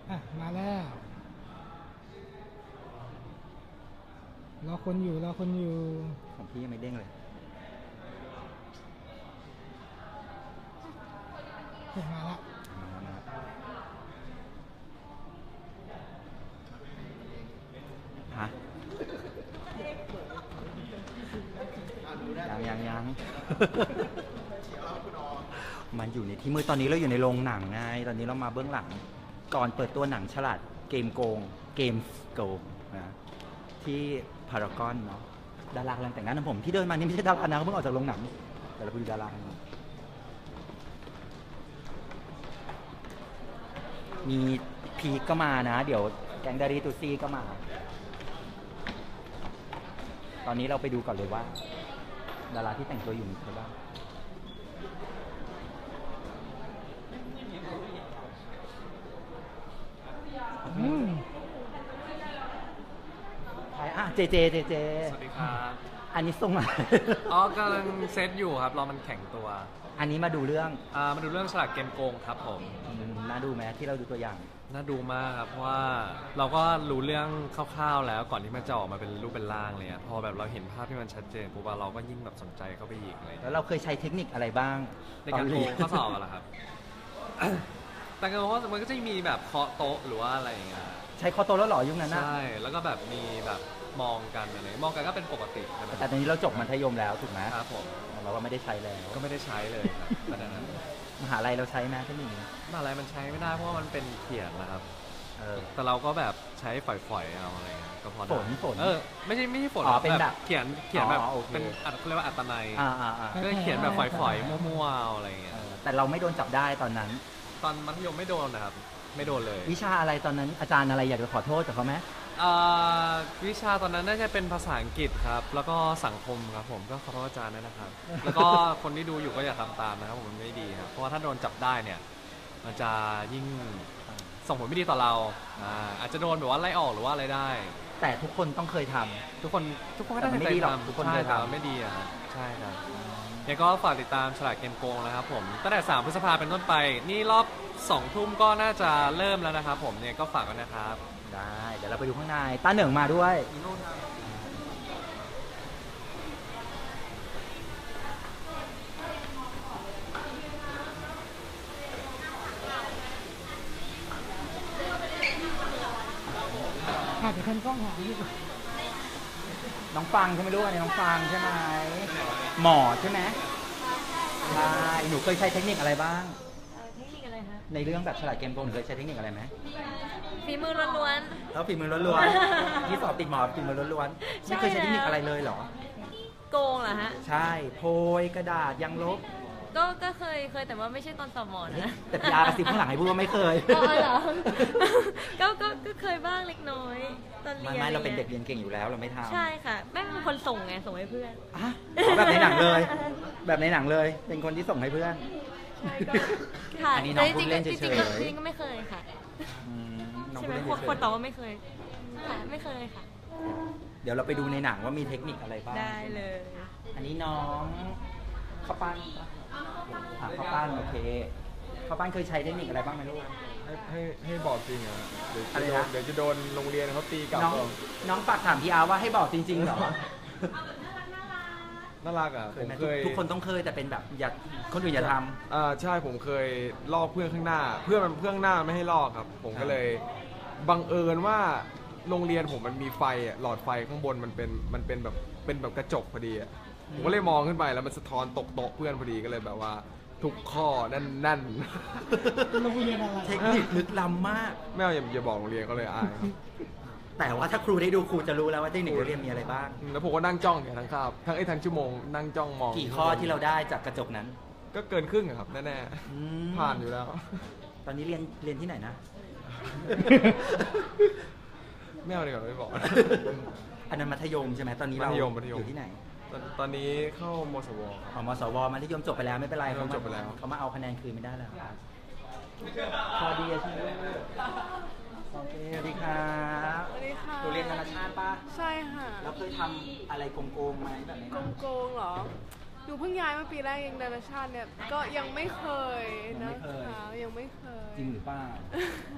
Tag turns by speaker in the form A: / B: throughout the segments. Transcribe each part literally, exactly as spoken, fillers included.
A: อ่ะมาแล้วรอคนอยู่รอคนอยู่
B: ของพี่ยังไม่เด้งเลย
A: เห็นมาแล้ว
B: ฮะยังยังยังมันอยู่ในที่มือตอนนี้เราอยู่ในโรงหนังไงตอนนี้เรามาเบื้องหลังก่อนเปิดตัวหนังฉลาดเกมโกงเกมโกงนะที่พารากอนเนาะดารากำลังแต่งงานนะผมที่เดินมานี่ไม่ใช่ดารานะเขาเพิ่งออกจากโรงหนังแต่เราไปดูดารามีพีก็มานะเดี๋ยวแกงดารีตูซี่ก็มาตอนนี้เราไปดูก่อนเลยว่าดาราที่แต่งตัวอยู่มีใครบ้าง
A: อืม
B: ใครอ่ะเจเจเจเจ
C: สวัสดีครับ
B: อันนี้ส่งมา
C: อ๋อกำลังเซตอยู่ครับรอมันแข็งตัว
B: อันนี้มาดูเรื่อง
C: อ่ามาดูเรื่องฉลาดเกมโกงครับผม
B: น่าดูไหมที่เราดูตัวอย่าง
C: น่าดูมากครับเพราะว่าเราก็รู้เรื่องคร่าวๆแล้วก่อนที่มันจะออกมาเป็นรูปเป็นร่างเลยพอแบบเราเห็นภาพที่มันชัดเจนปุ๊บเราก็ยิ่งแบบสนใจเข้าไปอีกเลย
B: แล้วเราเคยใช้เทคนิคอะไรบ้าง
C: ในการโกงข้อสอบอะไรครับแต่ก็เพราะมันก็จะมีแบบเคาะโต๊ะหรือว่าอะไรอย่างเงี้ย
B: ใช้เคาะโต๊ะแล้วหรอยุคนั้นนะ
C: ใช่แล้วก็แบบมีแบบมองกันอะไรมองกันก็เป็นปกติใช่ไหม
B: แต่ตอนนี้เราจบมัธยมแล้วถูกไหม
C: ครับผม
B: เราก็ไม่ได้ใช้แล้ว
C: ก็ไม่ได้ใช้เลยครับตอนนั้น
B: มหาลัยเราใช้ไหมที่นี่
C: มหาลัยมันใช้ไม่ได้เพราะว่ามันเป็นเขียนนะครับแต่เราก็แบบใช้ฝอยๆเอาอะไรเงี้ยก็พอได้
B: ฝนฝน
C: เออไม่ใช่ไม่ใช่ฝน
B: เป็นแบบ
C: เขียนเขียนแบบเป็นอัดเรียกว่าอัตนัยก็เขียนแบบฝอยๆมั่วๆอะไรเงี้ย
B: แต่เราไม่โดนจับได้ตอนนั้น
C: ตอนมัธยมไม่โดนนะครับไม่โดนเลย
B: วิชาอะไรตอนนั้นอาจารย์อะไรอยากจะขอโทษกับเขาไหม
C: วิชาตอนนั้นน่าจะเป็นภาษาอังกฤษครับแล้วก็สังคมครับผมก็ขอโทษอาจารย์ด้วยนะครับแล้วก็คนที่ดูอยู่ก็อย่าทำตามนะครับผมมันไม่ดีครับเพราะว่าถ้าโดนจับได้เนี่ยมันจะยิ่งส่งผลไม่ดีต่อเราอาจจะโดนแบบว่าไล่ออกหรือว่าอะไรได้
B: แต่ทุกคนต้องเคยทำ
C: ทุกคนทุกคนก็ได้เคยทำ
B: ทุกคนเคยทำ
C: ไม่ดีอ่ะใช่ครับยังก็ฝากติดตามฉลาดเกมโกงนะครับผมตั้งแต่สามพฤษภาเป็นต้นไปนี่รอบสองทุ่มก็น่าจะเริ่มแล้วนะครับผมเนี่ยก็ฝากกันนะครับ
B: ได้เดี๋ยวเราไปดูข้างในต้าเหนิงมาด้วย
A: หาแต่คนกล้องหาอยู่
B: น้องฟังใช่ไหมลูกอันนี้น้องฟังใช่ไหมหมอใช่ไหมใช่หนูเคยใช้เทคนิคอะไรบ้าง
D: เทคนิคอะไรคะ
B: ในเรื่องแบบฉลาดเกมโกงหนูเคยใช้เทคนิคอะไรไหม
D: ฝีมือล้วน
B: ๆแล้วฝีมือล้วนๆที่สอบติดหมอฝีมือล้วนๆไม่เคยใช้เทคนิคอะไรเลยเหรอ
D: โกงเหรอฮะ
B: ใช่โพยกระดาษยังลบ
D: ก็ก็เคยเคยแต่ว่าไม่ใช่ตอนสอบหมอนะ
B: แต่พี่อาร์กระซิบข้างหลังให้พูดว่าไม่เคย
D: อ๋อเหรอก็ก็ก็เคยบ้างเล็กน้อยตอนเรียน
B: ไม่เราเป็นเด็กเรียนเก่งอยู่แล้วเราไม่ทำ
D: ใช่ค่ะแม่เป็นคนส่งไงส่งให้เพื่อน
B: อ่ะแบบในหนังเลยแบบในหนังเลยเป็นคนที่ส่งให้เพื่อน
D: ค่ะ
B: อันนี้น้องพูดเล่นเฉยๆจ
D: ริงก็ไม่เคยค่ะ
B: ใช่
D: ไหมคนตอบว่าไม่เคยค่ะไม่เคยค่ะ
B: เดี๋ยวเราไปดูในหนังว่ามีเทคนิคอะไรบ้าง
D: ได้เลย
B: อันนี้น้องข้าวปั้นข้าวปั้นโอเคข้าวปั้นเคยใช้เทคนิคอะไรบ้างไหมลูก
E: ให้ให้ให้บอกจริงอ่ะเดี๋ยวจะโดนเดี๋ยวจะโดนโรงเรียนเขาตีกลับ
B: น้องน้องฝากถามพี่อาร์ว่าให้บอกจริงๆเหรอ
E: น่ารักอ่ะผมเคย
B: ทุกคนต้องเคยแต่เป็นแบบอย่าคนอื่นอย่าท
E: ำอ่าใช่ผมเคยลอกเพื่อนข้างหน้าเพื่อนมันเพื่อนหน้าไม่ให้ลอกครับผมก็เลยบังเอิญว่าโรงเรียนผมมันมีไฟอ่ะหลอดไฟข้างบนมันเป็นมันเป็นแบบเป็นแบบกระจกพอดีอ่ะผมก็เลยมองขึ้นไปแล้วมันสะท้อนตกโต๊ะเพื่อนพอดีก็เลยแบบว่าทุกข้อนั่นนั่น
B: เทคนิคลึกล้ำมาก
E: ไม่เอาอย่าบอกโรงเรียนก็เลยอาย
B: แต่ว่าถ้าครูได้ดูครูจะรู้แล้วว่าเทคนิคเรียนมีอะไรบ้าง
E: แล้วผมก็นั่งจ้องเนี่ยทั้งคาบทั้งไอ้ทั้งชั่วโมงนั่งจ้องมอง
B: กี่ข้อที่เราได้จากกระจกนั้น
E: ก็เกินครึ่งครับแน่ๆผ่านอยู่แล้ว
B: ตอนนี้เรียนเรียนที่ไหนนะ
E: ไม่เอาดีกว่าไม่บอก
B: อันนั้นมัธยมใช่ไหมตอนนี้เราอยู่ที่ไหน
E: ตอนนี้เข้ามสว
B: อ๋อมสวมัธยมจบไปแล้วไม่เป็นไร
E: เขาจบไปแล้ว
B: เขามาเอาคะแนนคืนไม่ได้แล้วพอดีใช่ไหมโอเคสวัสดีครับ
F: สวัสดีค่ะ
B: หนูเรียนนานาชาติป่ะ
F: ใช่ค่ะ
B: แล้วเคยทำอะไรโกงๆไหมแบบนี้
F: โกงๆเหรอหนูเพิ่งย้ายมาปีแรกเองนานาชาติเนี่ยก็ยังไม่เคยนะคะยังไม่เคย
B: จริงหรือเปล่า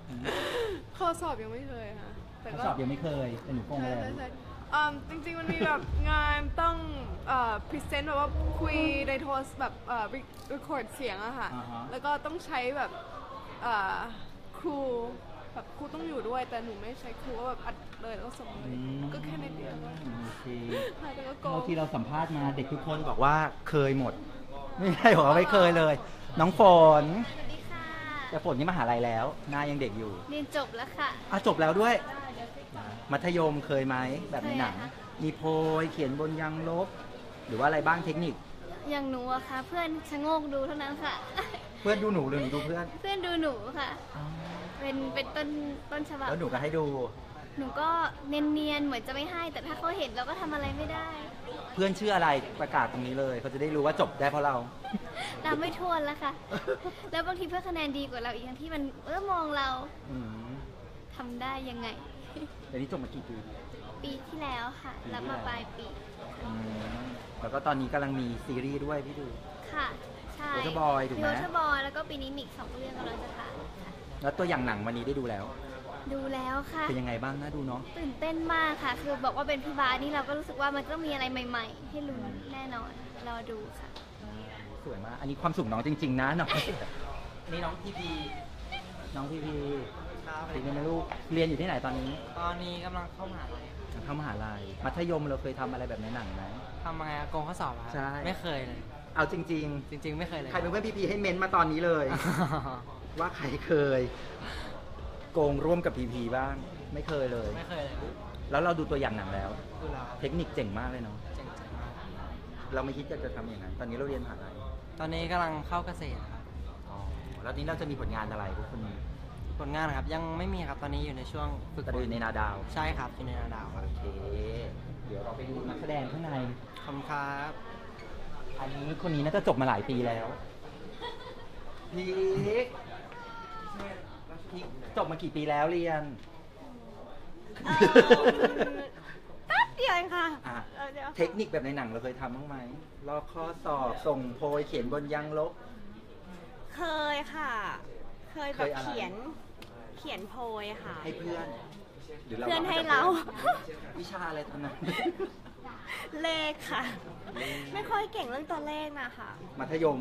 F: ข้อสอบยังไม่เคยค่ะแต่
B: ข้อ
F: ก็
B: สอบยังไม่เคยแต่หนูโกง
F: ใช่
B: แล้ว
F: ใช่ใช่อืมจริงๆ มันมีแบบงานต้องเอ่อพรีเซนต์แบบว่าคุยในโทรศัพท์แบบเอ่อรีคอร์ดเสียงอะค่ะ
B: อ่าฮะ
F: แล้วก็ต้องใช้แบบเอ่อครูแบบครูต้องอยู่ด้วย แต่หนูไม่ใช้ครูก็แบบอัดเลยแล้วก็ส่งเลย ก็แค่นิดเดียว
B: โอเค
F: ค่ะแต่ก็โก
B: เท่าง ที่เราสัมภาษณ์มาเด็กทุกคนบอกว่าเคยหมด ไม่ใช่บอกว่าไม่เคยเลย น้องฝน
D: สวัสดีค่ะ
B: แต่ฝนนี่มหาลัยแล้วหน้ายังเด็กอยู่
D: เรียนจบแล้วค่ะ
B: อ่ะจบแล้วด้วย มัธยมเคยไหมแบบในหนัง
D: เคยค่ะ
B: มีโพยเขียนบนยางลบ หรือว่าอะไรบ้างเทคนิค
D: อย่างหนูอะค่ะ เพื่อนชะโงกดูเท่านั้นค่ะ
B: เพื่อนดูหนูหรือหนูดูเพื่อน
D: เพื่อนดูหนูค่ะ เป็นเป็นต้นต้นฉบับ
B: แล้วหนูก็ให้ดู
D: หนูก็เนียนๆเหมือนจะไม่ให้ แต่ถ้าเขาเห็นเราก็ทำอะไรไม่ได้
B: เพื่อนชื่ออะไรประกาศตรงนี้เลยเขาจะได้รู้ว่าจบได้เพราะเรา
D: ตามไม่ทวนแล้วค่ะ แล้วบางทีเพื่อนคะแนนดีกว่าเราอีกทั้งที่มันเออมองเรา
B: อืม
D: ทำได้ยังไง
B: เดี๋ยวนี้จบมากี่ปี
D: ปีที่แล้วค่ะ รับมาปลายปี
B: อืมแล้วก็ตอนนี้กำลังมีซีรีส์ด้วยพี่ดู
D: ค่ะ ใช่
B: Waterboy ถูกไหม
D: วอเตอร์บอยแล้วก็ปีนี้มีอีกสองเรื่องกำลังจะถ่ายค่ะ
B: แล้วตัวอย่างหนังวันนี้ได้ดูแล้ว
D: ดูแล้วค่ะ
B: เป็นยังไงบ้างน่าดูเนาะ
D: ตื่นเต้นมากค่ะ คือบอกว่าเป็นพี่บาสนี่เราก็รู้สึกว่ามันต้องมีอะไรใหม่ ๆ ให้ลุ้นแน่นอน รอดูค่ะ
B: สวยมาก อันนี้ความสุขน้องจริง ๆ นะน้องอันนี้น้องพีพี น้องพีพี
G: ครับ
B: เป็นยังไงลูก เรียนอยู่ที่ไหนตอนนี้
G: ตอนนี้กำลังเข้ามหาลัยครับ
B: เข้ามหาลัย มัธยมเราเคยทำอะไรแบบในหนังไหม
G: ทำไงอะโกงข้อสอบอะครับ
B: ใช่
G: ไม่เคยเลย
B: เอาจริง
G: จริง ๆ ไม่เคยเลย
B: ๆ ใครเป็นเพื่อนพีพีให้เม้นต์มาตอนนี้เลย ว่าใครเคย โกงร่วมกับพีพีบ้าง ไม่เคยเลย
G: ไม่เคยเลย
B: แล้วเราดูตัวอย่างหนังแล้ว
G: ดูแล้ว
B: เทคนิคเจ๋งมากเลยเนาะ
G: เจ๋งๆมาก
B: เราไม่คิดจะจะทำอย่างนั้น ตอนนี้เราเรียนมหาลัย
G: ตอนนี้กำลังเข้าเกษตรครับ
B: อ๋อ แล้วนี้เราจะมีผลงานอะไรพวกคุณ
G: ผลงานครับยังไม่มีครับ ตอนนี้อยู่ในช่วงฝึก
B: จะดูในนาดาว
G: ใช่ครับอยู่ในนาดาวครับ
B: โอเค เดี๋ยวเราไปดูนักแสดงข้างใน
G: ขอบคุณครับ
B: อันนี้คนนี้น่าจะจบมาหลายปีแล้ว พีคพีคจบมากี่ปีแล้วเรียน
D: แป๊บเดียวเองค่ะ
B: อ่ะ
D: เออเดี๋ยว
B: เทคนิคแบบในหนังเราเคยทำบ้างไหมลอกข้อสอบ ส่งโพยเขียนบนยางลบ
H: เคยค่ะ เคยแบบ
B: เคยอะไร
H: เขียน เขียนโพยค่ะ
B: ให้เพื่อน หรือเรา
H: เพื่อน
B: วง
H: ให้
B: จก
H: เรา
B: วิชาอะไรตอนนั้น
H: เลขค่ะ ไม่ค่อยเก่งเรื่องตัวเลขนะคะ
B: มัธยม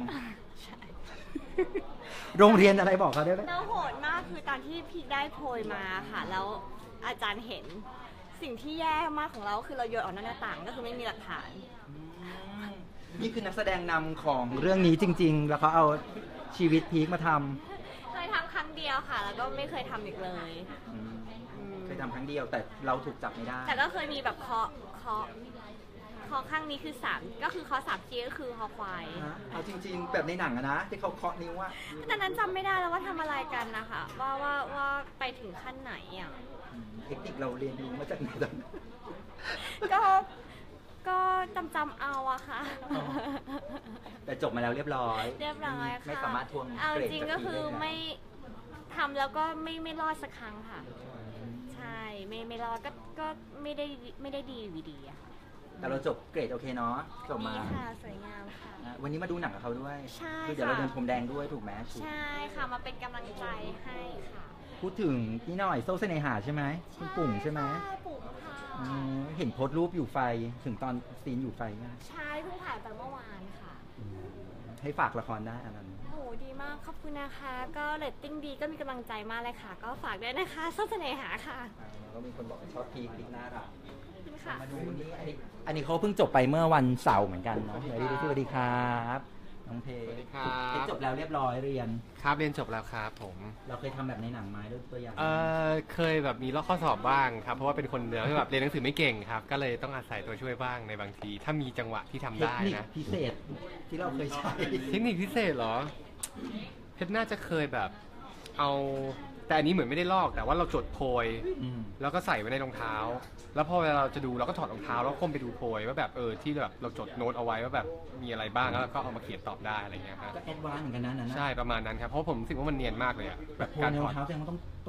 B: โรงเรียนอะไรบอกเขาได้ไหม
H: แล้วโหดมากคือตอนที่พี่ได้โพยมาค่ะ แล้วอาจารย์เห็นสิ่งที่แย่มากของเราคือเราโยนออกนอกหน้าต่างก็คือไม่มีหลักฐาน
B: นี่คือนักแสดงนำของเรื่องนี้จริง ๆ แล้วเขาเอาชีวิตพีคมาท
H: เคยทำครั้งเดียวค่ะ แล้วก็ไม่เคยทำอีกเลย
B: ำอืม
H: อืม
B: เคยทำครั้งเดียวแต่เราถูกจับไม่ได้
H: แต่ก็เคยมีแบบเคาะเคาะเคาะข้างนี้คือสามก็คือเคาะสามทีก็คือคอควาย
B: ฮะเอาจริง ๆ แบบในหนังอะนะ ที่เขาเคาะนิ้วอะ
H: แต่นั้นจำไม่ได้แล้วว่าทำอะไรกันนะคะว่าว่าว่าไปถึงขั้นไหนอ่ะ
B: อืมเทคนิคเราเรียนรู้มาจากไหนตอนนั้น
H: ก็ก็จำจำเอาอะค่ะ
B: อ๋อ แต่จบมาแล้วเรียบร้อย
H: เรียบร้อยค่ะ
B: ไม่สามารถทวง
H: เอา
B: เกรด
H: จริง
B: จาก
H: ก็
B: พี
H: คือ
B: ได้นะ
H: ไม่ทำแล้วก็ไม่ไม่รอดสักครั้งค่ะ ใช่ไม่ไม่รอดก็ก็ไม่ได้ไม่ได้ดีวีดีอะค่ะ
B: แต่เราจบเกรดโอเคเนาะจบมา
H: ดีค่ะสวยงามค่ะ
B: นะวันนี้มาดูหนังกับเขาด้วย
H: ใช่
B: คือเดี๋ยวเรา
H: ค่ะ
B: เดินพรมแดงด้วยถูกไหม
H: ใช่ค่ะมาเป็นกำลังใจให้ค่ะ
B: พูดถึงพี่หน่อยโซ่เสน่หาใช่ไหมคุณปุ่งใช่ไหม
H: ค่ะปุ่มค่ะ
B: อืมเห็นโพสต์รูปอยู่ไฟถึงตอนซีนอยู่ไฟนะ
H: ใช่เพิ่งถ่ายไปเมื่อวานค่ะ
B: อืมให้ฝากละครได้อันนั้น
H: โหดีมากขอบคุณนะคะ ก็เรตติ้งดีก็มีกำลังใจมากเลยค่ะ ก็ฝากด้วยนะคะส้มเสน่หาค่ะ
B: แล้วก็มีคนบอกว่าชอบพีคพีคน่ารัก
H: ขอบคุณค่ะ
B: มาดูนี่อันนี้อันนี้เขาเพิ่งจบไปเมื่อวันเสาร์เหมือนกันเนาะสวัสดีสวัสดีครับน้องเพ
C: สวัสดีครับ
B: เพจบแล้วเรียบร้อยเรียน
C: ครับเรียนจบแล้วครับผม
B: เราเคยทำแบบในหนังไหมด้วยตัวอย่าง
C: เออเคยแบบมีลอกข้อสอบบ้างครับ เพราะว่าเป็นคนเดียวที่แบบเรียนหนังสือไม่เก่งครับ ก็เลยต้องอาศัยตัวช่วยบ้างในบางที ถ้ามีจังหวะที่ทำ
B: เทค
C: ได้
B: นิค
C: นะ
B: พิเศษที่เราเคยใช้
C: เทคนิคพิเศษเหรอ เพชรน่าจะเคยแบบเอาแต่อันนี้เหมือนไม่ได้ลอกแต่ว่าเราจดโพย
B: อืม
C: แล้วก็ใส่ไว้ในรองเท้า แล้วพอเวลาเราจะดูเราก็ถอดรองเท้าแล้วก้มไปดูโพยว่าแบบเออที่แบบเราจดโน้ตเอาไว้ว่าแบบมีอะไรบ้างแล้วก็เอามาเขียนตอบได้อะไรเงี้ยครับ
B: ก็แอดวานซ์เหมือนกันนะนั่นนะ
C: ใช่ประมาณนั้นครับเพราะผมรู้สึกว่ามันเนียนมากเลยอะแบบ
B: โพ
C: การ
B: ใน
C: ถ
B: ร
C: อ
B: อ
C: ด
B: งเท้าแสดงว่าต้องต้อง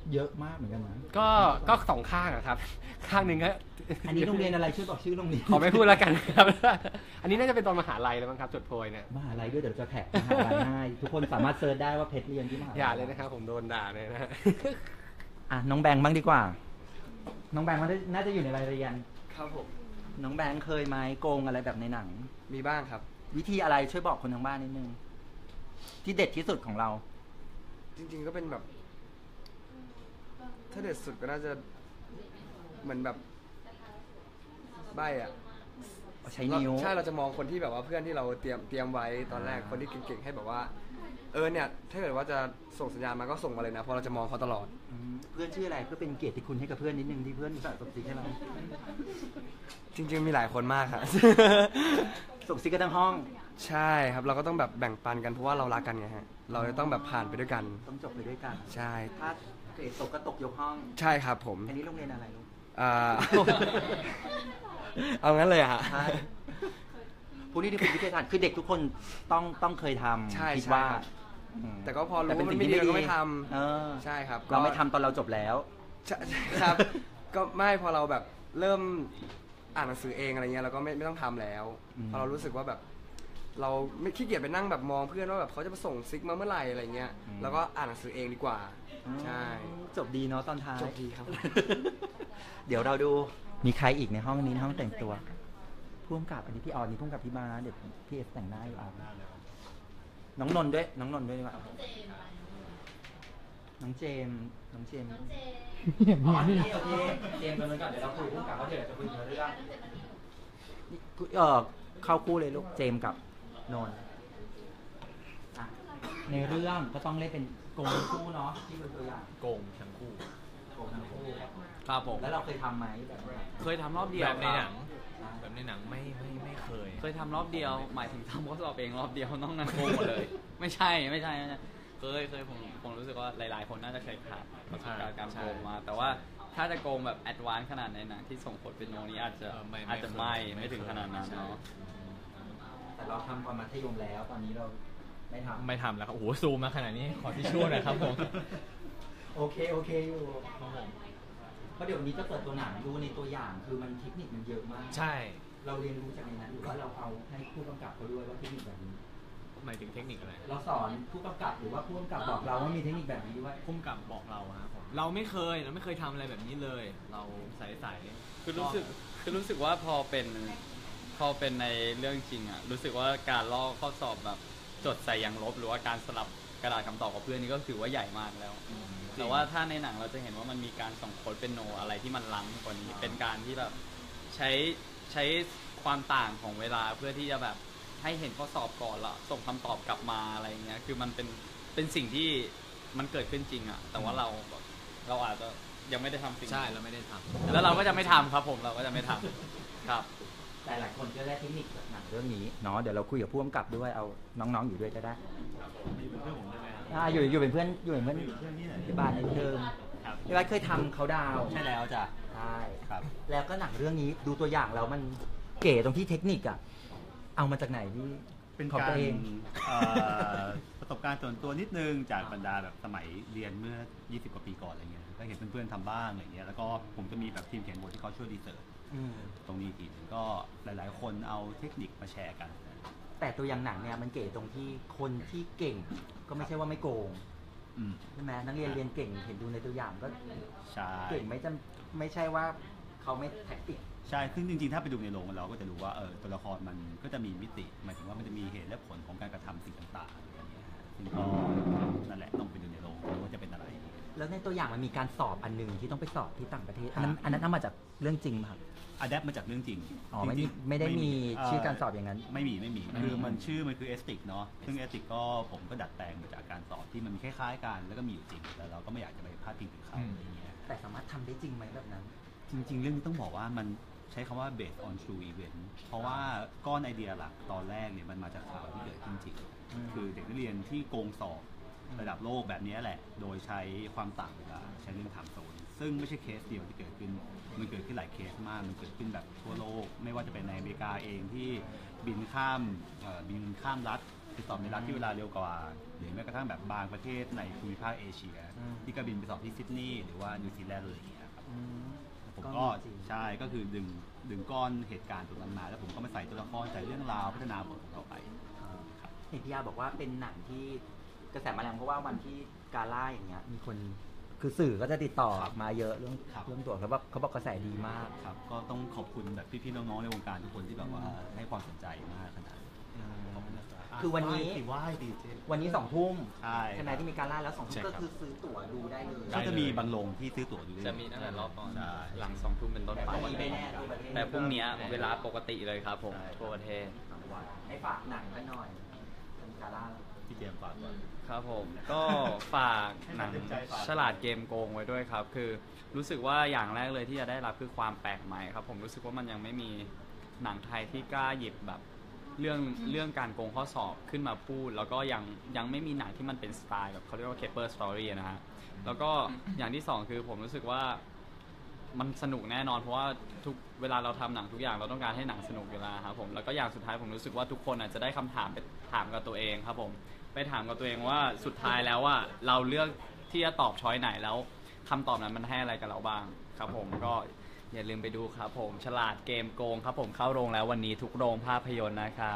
B: เยอะมากเหมือนกันนะ
I: ก็ก็สองข้างอะครับ ข้างหนึ่งก็
B: อันนี้โรงเรียนอะไรช่วยบอกชื่อโรงเรียน
I: ขอไม่พูดแล้วกันครับ อันนี้น่าจะเป็นตอนมหาลัยแล้วมั้งครับจดโพยเนี่ย
B: มหาลัยด้วยเดี๋ยวจะแท็กมหาลัยให้ทุกคนสามารถเซิร์ชได้ว่าเพชรเรียนที่มหาลัย
I: อย่าเลยนะครับผมโดนด่าเลยนะฮะ
B: อ่ะน้องแบงค์บ้างดีกว่า น้องแบงค์มันน่าจะอยู่ในรายเรียน
G: ครับผม
B: น้องแบงค์เคยไหมโกงอะไรแบบในหนัง
G: มีบ้างครับ
B: วิธีอะไรช่วยบอกคนทางบ้านนิดนึง ที่เด็ดที่สุดของเรา
G: จริงๆก็เป็นแบบ ถ้าเด็ดสุดก็น่าจะเหมือนแบบใบอ่ะ
B: ใช้นิ้ว
G: ใช่เราจะมองคนที่แบบว่าเพื่อนที่เราเตรียมเตรียมไว้ตอนแรกคนที่เก่งๆให้แบบว่า เออเนี่ยถ้าเกิดว่าจะส่งสัญญาณมาก็ส่งมาเลยนะเพราะเราจะมองเขาตลอด
B: อืมเพื่อนชื่ออะไรเพื่อเป็นเกียรติคุณให้กับเพื่อนนิดนึงที่เพื่อนสะสมซิกให้เรา
G: จริงๆมีหลายคนมากครับ
B: ส่งซิกกันทั้งห้อง
G: ใช่ครับเราก็ต้องแบบแบ่งปันกันเพราะว่าเรารักกันไงฮะเราจะต้องแบบผ่านไปด้วยกัน
B: ต้องจบไปด้วยกัน
G: ใช่
B: ถ้าเกรดตกก็ตกยกห้อง
G: ใช่ครับผม
B: อันนี้โรงเรียนอะไรลูก
G: อ่า เอางั้นเลยอะฮะ
B: ใช่ผู้นี้ที่เป็นวิทยาศาสตร์คือเด็กทุกคนต้องต้องเคยทำ
G: ใช่
B: คิด
G: ใช่
B: ว่า
G: ครับ
B: อืม
G: แต่ก็พอรู้
B: แต่เป็น
G: ว่า
B: สิ่
G: มัน
B: ง
G: ไม่
B: ที่
G: ดี
B: ไม่
G: เราก็
B: ดี
G: ไม่ท
B: เออ
G: ำใช่ครับ
B: เราไม่ทำตอนเราจบแล้ว
G: ใช่ครับ ก็ไม่พอเราแบบเริ่มอ่านหนังสือเองอะไรเงี้ยเราก็ไม่ไม่ต้องทำแล้ว
B: อืม
G: พอเรารู้สึกว่าแบบ เราไม่ขี้เกียจไปนั่งแบบมองเพื่อนว่าแบบเขาจะมาส่งซิกมาเมื่อไหร่อะไรเงี้ยแล้วก็อ่านหนังสือเองดีกว่า ใช่
B: จบดีเนาะตอนท้าย
G: จบดีครับ
B: เดี๋ยวเราดูมีใครอีกในห้องนี้ในห้องแต่งตัวพ่วงกับอันนี้พี่ออนนี่พ่วงกับพี่มาเดี๋ยวพี่เอฟแต่งหน้าอยู่อ่ะน้องนนท์ด้วยน้องนนท์ด้วยดีกว่าน้องเจมส์น้องเจมส์
A: เห็น
B: อ๋อ
A: มี
B: นี่
A: นี่
B: โอเคเจมส์กันเลยก่อนเดี๋ยวเราคุยพ่วงกับเขาเดี๋ยวจะคุยเรื่องนี่เออเข้าคู่เลยลูกเจมส์กับนนท์อ่ะในเรื่องก็ต้องเล่นเป็นโกงคู่เนาะที่เป็นตัวอย่าง
C: โกงทั้งคู่
B: โกงทั้งคู่
C: ครับผม
B: แล้วเราเคยทำไหมแบบนี้
C: เคยทำรอบเดียว
J: แบบในหนัง
C: ครับ
J: แบบในหนังไม่ไม่ไม่เคย
C: เคยทำรอบเดียว หมายถึงทำข้อสอบเองรอบเดียวนอกนั้นโกงหมดเลย ไม่ใช่ไม่ใช่ไม่ใช่เคยเคยผมผมรู้สึกว่าหลาย ๆ คนน่าจะเคยผ่านประสบการณ์การโกงมา แต่ว่าถ้าจะโกงแบบแอดวานซ์ขนาดในหนังที่ส่งผลเป็นโนนี้อาจจะ
J: เออไม่ไม่
C: อาจจะไม่
J: เคย
C: ไม่ถึงขนาดนั้น
J: ใช่
C: เนาะ
B: แต่เราทำตอนมัธยมแล้ว ตอนนี้เราไม่ทำ
J: ไม่ทำแล้วครับ โอ้โห ซูมมาขนาดนี้ ขอที่ช่วยหน่อยครับผม
B: โอเคโอเคอยู่ครับผมเพราะเดี๋ยวนี้จะเปิดตัวหนังดูในตัวอย่างคือมันเทคนิคมันเยอะมาก
J: ใช่
B: เราเรียนรู้จากในนั้นหรือว่าเราเอาให้ผู้กำกับเขาด้วยว่าเทคนิคแบบนี้
J: หมายถึงเทคนิคอะไร
B: เราสอนผู้กำกับหรือว่าผู้กำกับบอกเราว่ามีเทคนิคแบบนี้ด้วย
J: พุ่มกับบอกเราครับผม เราไม่เคย เราไม่เคยทำอะไรแบบนี้เลย เราใสๆ
C: คือรู้สึกคือรู้สึกว่าพอเป็นพอเป็นในเรื่องจริงอะรู้สึกว่าการลอกข้อสอบแบบจดใส่ยางลบหรือว่าการสลับกระดาษคำตอบกับเพื่อนนี่ก็ถือว่าใหญ่มากแล้ว แต่ว่าถ้าในหนังเราจะเห็นว่ามันมีการส่งโค้ดเป็นโนอะไรที่มันล้ำกว่านี้เป็นการที่แบบใช้ใช้ความต่างของเวลาเพื่อที่จะแบบให้เห็นข้อสอบก่อนแล้วส่งคำตอบกลับมาอะไรเงี้ยคือมันเป็นเป็นสิ่งที่มันเกิดขึ้นจริงอะแต่ว่าเราแบบเราอาจจะยังไม่ได้ทำสิ่ง
J: ใช่
C: นี้
J: เราไม่ได้ทำ
C: แล้วเราก็จะไม่ทำครับผมเราก็จะไม่ทำครับ
B: แต่หลายคนก็ได้เทคนิคจากหนังเรื่องนี้เนาะเดี๋ยวเราคุยกับผู้กำกับด้วยเอาน้องๆอยู่ด้วยก็ได้อ่าอยู่อยู่เป็นเพื่อนอยู่เป็นเพื่อนที่บ้านในเทอมพี่วัดเคยทำเขาดาวน์
K: ใช่แล้วจ้ะ
B: ใช่
K: ครับ
B: แล้วก็หนังเรื่องนี้ดูตัวอย่างแล้วมันเก๋ตรงที่เทคนิคอะเอามาจากไหนพี่
K: เป็น
B: ของ
K: กา
B: ตั
K: ร
B: วเอง
K: เอ่อประสบการณ์ส่วนตัวนิดนึงจากบรรดาแบบสมัยเรียนเมื่อ ยี่สิบ กว่าปีก่อนอะไรเงี้ยก็เห็นเพื่อนๆทำบ้างอะไรเงี้ยแล้วก็ผมจะมีแบบทีมเขียนบทที่เขาช่วยรีเสิร์ช
B: อืม
K: ตรงนี้อีกทีหนึ่งก็หลายๆ คนเอาเทคนิคมาแชร์กัน
B: แต่ตัวอย่างหนังเนี่ยมันเก๋ตรงที่คนที่เก่งก็ไม่ใช่ว่าไม่โกง
K: อืม
B: ใช่ไหมนักเรียนเรียนเก่งเห็นดูในตัวอย่างก็
K: ใช่
B: เก่งไม่จำไม่ใช่ว่าเขาไม่แท็กติก
K: ใช่ซึ่งจริงๆ ถ้าไปดูในโรงเราก็จะรู้ว่าเออตัวละครมันก็จะมีมิติหมายถึงว่ามันจะมีเหตุและผลของการกระทำสิ่งต่างๆอะไรอย่างเงี้ยฮะซึ่งก็นั่นแหละต้องไปดูในโรงดูว่าจะเป็นอะไร
B: แล้วในตัวอย่างมันมีการสอบอันหนึงที่ต้องไปสอบที่ต่างประเทศอันนั้นอันนั้นเอามาจากเรื่องจริงไหมครับ
K: อะแดปมาจากเรื่องจริง
B: อ๋อไม่มี
K: จริงๆ
B: ไม่ได้มี
K: เ
B: ชื่อการสอบอย่างนั้น
K: ไม่มีไม่มี
B: ไม่มี
K: คือมันชื่อมันคือเอสติกเนาะซึ่งเอสติกก็ผมก็ดัดแปลงมาจากการสอบที่มันมีคล้ายๆกันแล้วก็มีอยู่จริงแต่เราก็ไม่อยากจะไปพาดพิงถึงเขาอะไรอย่างเงี้ย
B: แต่สามารถทำได้จริงไหมแบบนั้น
K: จริงๆ เรื่องนี้ต้องบอกว่ามันใช้คำว่า based on true event เพราะว่าก้อนไอเดียหลักตอนแรกเนี่ยมันมาจากข่าวที่เกิดขึ้นจริง
B: อืม
K: คือเด็กนักเรียนที่โกงสอบระดับโลกแบบนี้แหละ โดยใช้ความต่างเวลาใช้เรื่องไทม์โซนซึ่งไม่ใช่เคสเดียวที่เกิดขึ้น มันเกิดขึ้นหลายเคสมาก มันเกิดขึ้นแบบทั่วโลก ไม่ว่าจะเป็นในอเมริกาเองที่บินข้ามเอ่อบินข้ามรัฐคือสอบในรัฐที่เวลาเร็วกว่าหรือแม้กระทั่งแบบบางประเทศในภูมิภาคเอเชีย ที่ก็บินไปสอบที่ซิดนีย์หรือว่านิวซีแลนด์อะไรอย่างเงี้ยครับผมก็ใช่ก็คือดึงดึงก้อนเหตุการณ์ตรงนั้นมาแล้วผมก็มาใส่ตัวละครใส่เรื่องราวพัฒนาบทของเราไป
B: เห็นพี่ยาบอกว่าเป็นหนังที่กระแสมาแรงเพราะว่าวันที่กาล่าอย่างเงี้ยมีคนคือสื่อก็จะติดต่อมาเยอะเรื่องเรื่องตัวแล้วว่าเขาบอกกระแสดีมาก
K: ครับก็ต้องขอบคุณแบบพี่ๆน้องๆในวงการทุกคนที่แบบว่าให้ความสนใจมากขนาดนี้ขอบคุณนะครับ
B: คือวันนี้
K: ไหว้ดีเจ
B: วันนี้สองทุ่ม
K: ใช่
B: ใช่ไหมที่มีการล่าแล้วสองทุ่ม
K: ใช่ครั
B: ก็
K: บ
B: คือซื้อตั๋วดูได้เลย
K: ก็จะมีบางโรงที่ซื้อตั๋วดูได้
C: จะมีตั้งแต่รอบก่อน
K: ใช่
C: หลังสองทุ่มเป็นต้นไป
B: แต่พรุ่งนี้ไม่แน่ทั่วประเทศ
C: แต่พรุ่งนี้เวลาปกติเลยครับผมทั่วประเทศ
B: ให้ฝากหนังกันหน่อยเป็นการล่า
K: พี่เจมส์ฝากก่อน
C: ครับผมก็ฝากหนังฉลาดเกมโกงไว้ด้วยครับ คือรู้สึกว่าอย่างแรกเลยที่จะได้รับคือความแปลกใหม่ครับผมรู้สึกว่ามันยังไม่มีหนังไทยที่กล้าหยิบแบบเรื่องเรื่องการโกงข้อสอบขึ้นมาพูด แล้วก็ยังยังไม่มีหนังที่มันเป็นสไตล์แบบเขาเรียกว่า Caper Story นะฮะแล้วก็อย่างที่สองคือผมรู้สึกว่ามันสนุกแน่นอนเพราะว่าทุกเวลาเราทำหนังทุกอย่างเราต้องการให้หนังสนุกอยู่แล้วครับผมแล้วก็อย่างสุดท้ายผมรู้สึกว่าทุกคนอาจจะได้คำถามไปถามกับตัวเองครับผมไปถามกับตัวเองว่าสุดท้ายแล้วว่าเราเลือกที่จะตอบช้อยไหนแล้วคำตอบนั้นมันให้อะไรกับเราบ้างครับผมก็อย่าลืมไปดูครับผมฉลาดเกมโกงครับผมเข้าโรงแล้ววันนี้ทุกโรงภาพยนตร์นะครับ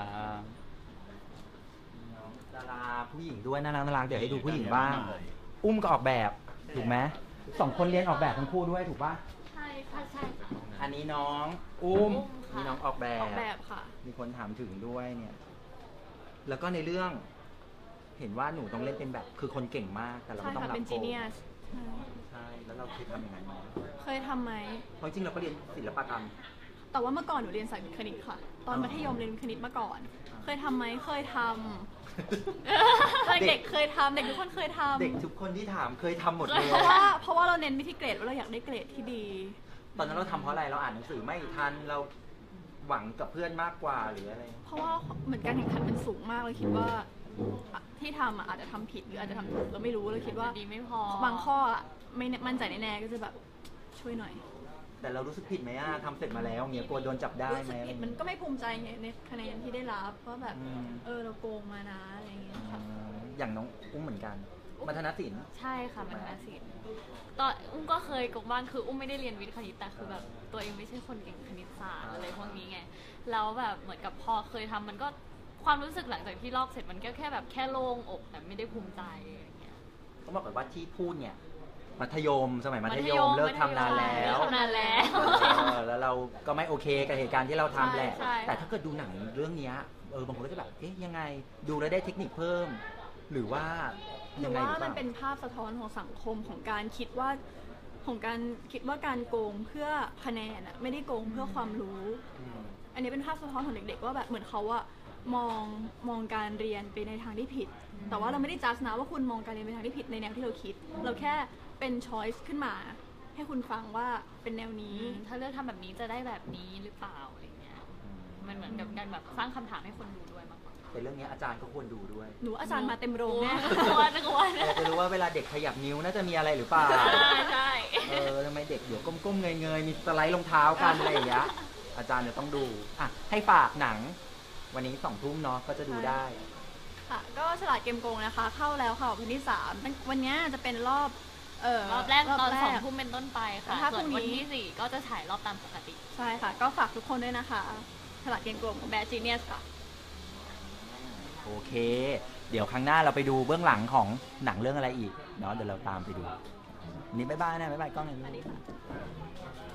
B: ดาราผู้หญิงด้วยน่ารักน่ารักเดี๋ยวให้ดูผู้หญิงบ้าง อุ้มก็ออกแบบถูกไหมสองคนเรียนออกแบบทั้งคู่ด้วยถูกป่ะ
D: ใช่ค่ะใช่ค่ะ
B: อันนี้น้องอุ้ม
D: ค่ะ
B: นี่น้องออกแบบ
F: ออกแบบค่ะ
B: มีคนถามถึงด้วยเนี่ย แล้วก็ในเรื่อง เห็นว่าหนูต้องเล่นเป็นแบบคือคนเก่งมากแต่เรา
F: ใช่
B: ก็ต้อง
F: ค่ะ
B: รับ
F: เป็น
B: โก
F: จี
B: ง
F: เนียส
B: ใช่แล้วเราเคยทำอย่างนั้นไหม
F: เคยทำไหม
B: เพราะจริงๆเราก็เรียนศิลปกรรม
F: แต่ว่าเมื่อก่อนหนูเรียนสายวิทย์คณิตค่ะ ตอนมัธยมเรียนคณิตมาก่อน เคยทำไหมเคยทำ ตอนเด็กเคยทำเด็กทุกคนเคยทำ
B: เด็กทุกคนที่ถามเคยทำหมดเลย
F: เพราะว่าเพราะว่าเราเน้นไปที่เกรดว่าเราอยากได้เกรดที่ดี
B: ตอนนั้นเราทำเพราะอะไรเราอ่านหนังสือไม่ทันเราหวังกับเพื่อนมากกว่าหรืออะไร
F: เพราะว่าเหมือนการแข่งขันมันสูงมากเลยคิดว่าอ่ะที่ทำอ่ะอาจจะทำผิดหรืออาจจะทำถูกเราไม่รู้เลยคิดว่า
D: ดีไม่พอบ
F: างข้ออ่ะไม่มั่นใจแน่ๆก็จะแบบช่วยหน่อย
B: แต่เรารู้สึกผิดไหมอ่ะทำเสร็จมาแล้วเงี้ยกลัวโดนจับได้
F: รู้
B: ไห
F: สึ
B: ม
F: กผิดมันก็ไม่ภูมิใจไงในคะแนนที่ได้รับว่าแบบ
B: อืม
F: เออเราโกงมานะอะไรอย่างเงี้ยค่ะ
B: อย่างน้องอุ้มเหมือนกัน มัธนศิลป์
D: ใช่ค่ะมันมาศิลป์ตอนอุ้มก็เคยกบบ้างคืออุ้มไม่ได้เรียนวิทย์คณิตแต่คือแบบตัวเองไม่ใช่คนเก่งคณิตศาสตร์อะไรพวกนี้ไงแล้วแบบเหมือนกับพอเคยทำมันก็ความรู้สึกหลังจากที่ลอกเสร็จมันก็แค่แบบแค่โล่งอกแต่ไม่ได้ภูมิใจอย่างเงี้ย
B: ต้องบอกก่อนว่าที่พูดเนี่ย มัธยมสมัยมัธย
D: มัธย
B: ม
D: ม
B: เลิกทำนานแล้
D: เลิ
B: ว
D: กทำนานแล้ว
B: เออแล้วเราก็ไม่โอเคกับเหตุการณ์ที่เราทำแหละ
D: ใช่ใช่
B: แต่ถ้าเกิดดูหนังเรื่องเนี้ยเออบางคนก็จะแบบเอ๊ะยังไงดูแล้วได้เทคนิคเพิ่ม หรือว่า
F: ห
B: ยั
F: รื
B: ง
F: อ
B: ไง
F: ว่า
B: หรือเป
F: มัน
B: ล่า
F: เป็นภาพสะท้อนของสังคมของการคิดว่าของการคิดว่าการโกงเพื่อคะแนนอะไม่ได้โกงเพื่อความรู้ อันนี้เป็นภาพสะท้อนของเด็กๆว่าแบบเหมือนเขาอะมองมองการเรียนไปในทางที่ผิด แต่ว่าเราไม่ได้จัดนะว่าคุณมองการเรียนไปทางที่ผิดในแนวที่เราคิด เราแค่เป็นช้อยส์ขึ้นมา ให้คุณฟังว่าเป็นแนวนี้
D: ถ้าเลือกทำแบบนี้จะได้แบบนี้หรือเปล่าอะไรเงี้ยมันเหมือนกับการแบบสร้างคำถามให้คนดูด้วยมากกว่า
B: แต่เรื่องนี้อาจารย์ก็ควรดูด้วย
F: หนูอาจารย์มาเต็มโรงแน่
D: กลัวจะกลัว
B: อยากจะรู้ว่าเวลาเด็กขยับนิ้วน่าจะมีอะไรหรือเปล่า
D: ใช่ใช่
B: เออทำไมเด็กเดี๋ยวก้มๆเงยๆมีสไลด์รองเท้ากันอะไรอย่างเงี้ยอาจารย์จะต้องดูอ่ะให้ฝากหนัง วันนี้สองทุ่มเนาะก็จะดูได้
F: ค่ะก็ฉลาดเกมโกงนะคะ เข้าแล้วค่ะวันที่สามวันนี้จะเป็นรอบเออ
D: รอบแรกตอน
F: แร
D: สองทุ่มเป็นต้นไปค่ะ
F: แล้วถ้า
D: ส่วน
F: พรุ่
D: วัน
F: งนี้
D: ที่สี่ก็จะฉายรอบตามปกติ
F: ใช่ค่ะ ก็ฝากทุกคนด้วยนะคะฉลาดเกมโกงของแบร์จีเนียสค่ะ
B: โอเค เดี๋ยวครั้งหน้าเราไปดูเบื้องหลังของหนังเรื่องอะไรอีกเนาะเดี๋ยวเราตามไปดู นี่บ๊ายบายนะบ๊ายบายกล้องหน่อย